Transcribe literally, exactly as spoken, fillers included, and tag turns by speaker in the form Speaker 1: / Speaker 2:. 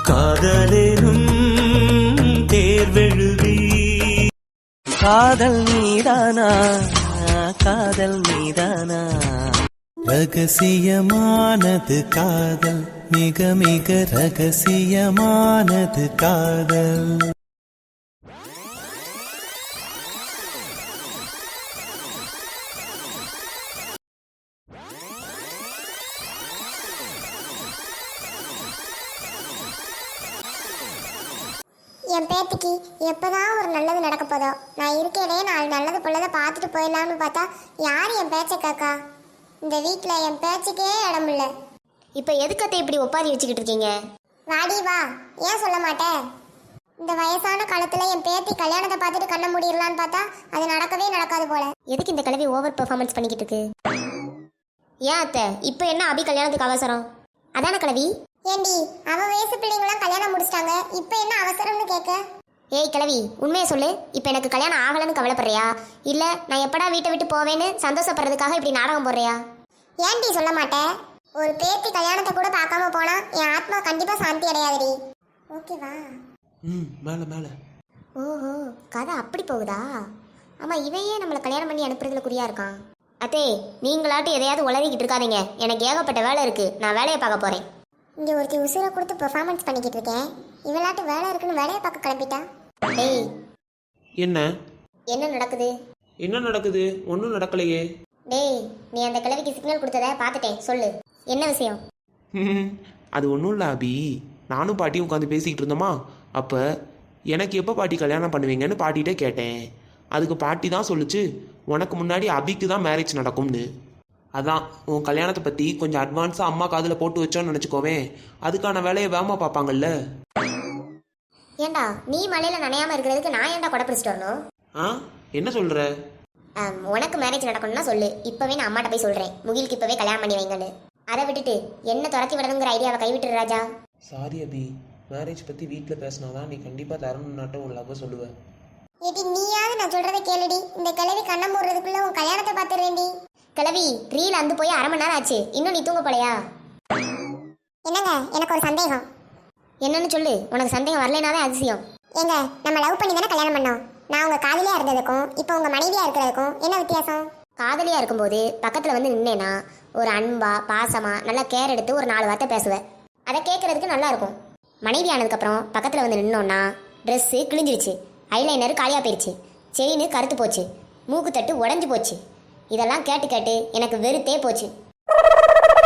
Speaker 1: காதலேனும் தேர்வெழுதி காதல் மீதானா காதல் மீதானா ரகசியமானது காதல் மிக மிக ரகசியமானது காதல்.
Speaker 2: என் பேத்திக்கு எப்போதான் ஒரு நல்லது நடக்க போதோ. நான் இருக்கேனே நாலு நல்லது பொல்லதை பார்த்துட்டு போயிடலாம்னு பார்த்தா யார் என் பேச்சை காக்கா? இந்த வீட்டில் என் பேச்சுக்கே இடம் இல்லை.
Speaker 3: இப்போ எதுக்கத்தை இப்படி ஒப்பாரி வச்சுக்கிட்டு இருக்கீங்க?
Speaker 2: வாடி வா. ஏன் சொல்ல மாட்டேன்? இந்த வயசான காலத்தில் என் பேத்தி கல்யாணத்தை பார்த்துட்டு கண்ண முடியலான்னு பார்த்தா அது நடக்கவே நடக்காது போல.
Speaker 3: எதுக்கு இந்த கிழவி ஓவர் பெர்ஃபார்மன்ஸ் பண்ணிக்கிட்டு இருக்கு? ஏன் அத்தை இப்போ என்ன அபி கல்யாணத்துக்கு அவசரம்? அதான கிழவி?
Speaker 2: ஏண்டி அவ வயசு பிள்ளைங்களாம் கல்யாணம் முடிச்சிட்டாங்க, இப்போ என்ன அவசரம்னு கேட்க?
Speaker 3: ஏய் கிழவி, உண்மையை சொல்லு. இப்போ எனக்கு கல்யாணம் ஆகலன்னு கவலைப்படுறியா, இல்லை நான் எப்படா வீட்டை விட்டு போவேன்னு சந்தோஷப்படுறதுக்காக இப்படி நாடகம் போடுறியா?
Speaker 2: ஏன்டி சொல்ல மாட்டேன்? ஒரு பேத்தி கல்யாணத்தை கூட பார்க்காம போனா என் ஆத்மா கண்டிப்பா சாந்தி அடையாதுடி. ஓகேவா?
Speaker 1: ம் மேல மேல.
Speaker 3: ஓஹோ, கதை அப்படி போகுதா? ஆமா, இவையே நம்மளை கல்யாணம் பண்ணி அனுப்புறதுல குறியா இருக்கான். அத்தே, நீங்களாட்டும் எதையாவது உளறிக்கிட்டு இருக்காதீங்க. எனக்கு ஏகப்பட்ட வேலை இருக்கு, நான் வேலையை பார்க்க போறேன்.
Speaker 2: இங்கே ஒருத்தி உசுரை கொடுத்து பெர்ஃபார்மன்ஸ் பண்ணிக்கிட்டு இருக்கேன், இவளாட்டு வேலை இருக்குன்னு வேலையை பார்க்க கிளம்பிட்டா.
Speaker 3: டேய்,
Speaker 1: என்ன
Speaker 3: என்ன நடக்குது?
Speaker 1: என்ன நடக்குது? ஒன்றும் நடக்கலையே.
Speaker 3: டேய், நீ அந்த கிழவிக்கு சிக்னல் கொடுத்தத பார்த்துட்டேன், சொல்லு என்ன விஷயம்?
Speaker 1: அது ஒன்றும் இல்லை அபி, நானும் பாட்டியும் உட்காந்து பேசிக்கிட்டு இருந்தோமா, அப்போ எனக்கு எப்போ பாட்டி கல்யாணம் பண்ணுவீங்கன்னு பாட்டிகிட்டே கேட்டேன். அதுக்கு பாட்டி தான் சொல்லிச்சு, உனக்கு முன்னாடி அபிக்கு தான் மேரேஜ் நடக்கும்னு. அதான் உன் கல்யாணத்தை பற்றி கொஞ்சம் அட்வான்ஸாக அம்மா காதில் போட்டு வச்சோன்னு நினச்சிக்கோவேன், அதுக்கான வேலையை வேகமாக பார்ப்பாங்கல்ல.
Speaker 3: ஏண்டா நீ மலையில் நனையாமல் இருக்கிறதுக்கு நான் ஏன்டா கொடை பிடிச்சிட்டு வரணும்?
Speaker 1: ஆ என்ன சொல்கிற?
Speaker 3: உனக்கு மேரேஜ் நடக்கணும்னா சொல்லு, இப்போவே நான் அம்மாட்ட போய் சொல்கிறேன், முகிலுக்கு இப்போவே கல்யாணம் பண்ணி வைங்கன்னு. அதை விட்டுட்டு என்ன துரத்தி விடணுங்கிற ஐடியாவை கைவிட்டுரு ராஜா.
Speaker 1: சாரி அபி, மேரேஜ் பற்றி வீட்டில் பேசினாதான் நீ கண்டிப்பாக தரணுன்னாட்டும் உன் லவ் சொல்லுவேன்.
Speaker 2: ஏடி நீயாவது நான் சொல்றதை கேளுடி. இந்த கிழவி கண்ணம் மூடுறதுக்குள்ள உன் கல்யாணத்தை பார்த்துறேன்டி.
Speaker 3: கிழவி, ரீல் அந்து போய் அரை மணி நேரம் ஆச்சு, இன்னும் நீ தூங்க போலையா?
Speaker 2: என்னங்க, எனக்கு ஒரு சந்தேகம்.
Speaker 3: என்னன்னு சொல்லு. உனக்கு சந்தேகம் வரலைனாவே அதிசயம்.
Speaker 2: ஏங்க, நம்ம லவ் பண்ணி தானே கல்யாணம் பண்ணோம். நான் உங்க காதலியா இருந்ததுக்கும் இப்போ உங்க மனைவியா இருக்கிறதுக்கும் என்ன வித்தியாசம்?
Speaker 3: காதலியா இருக்கும்போது பக்கத்துல வந்து நின்னேனா ஒரு அன்பா பாசமா நல்லா கேர் எடுத்து ஒரு நாலு வார்த்தை பேசுவேன், அதை கேட்கறதுக்கு நல்லா இருக்கும். மனைவி ஆனதுக்கப்புறம் பக்கத்துல வந்து நின்னோன்னா ட்ரெஸ்ஸு கிழிஞ்சிருச்சு, ஐலைனர் காலியாக போயிடுச்சு, செயின் கருத்து போச்சு, மூக்கு தட்டு உடஞ்சி போச்சு. இதெல்லாம் கேட்டு கேட்டு எனக்கு வெறுத்தே போச்சு.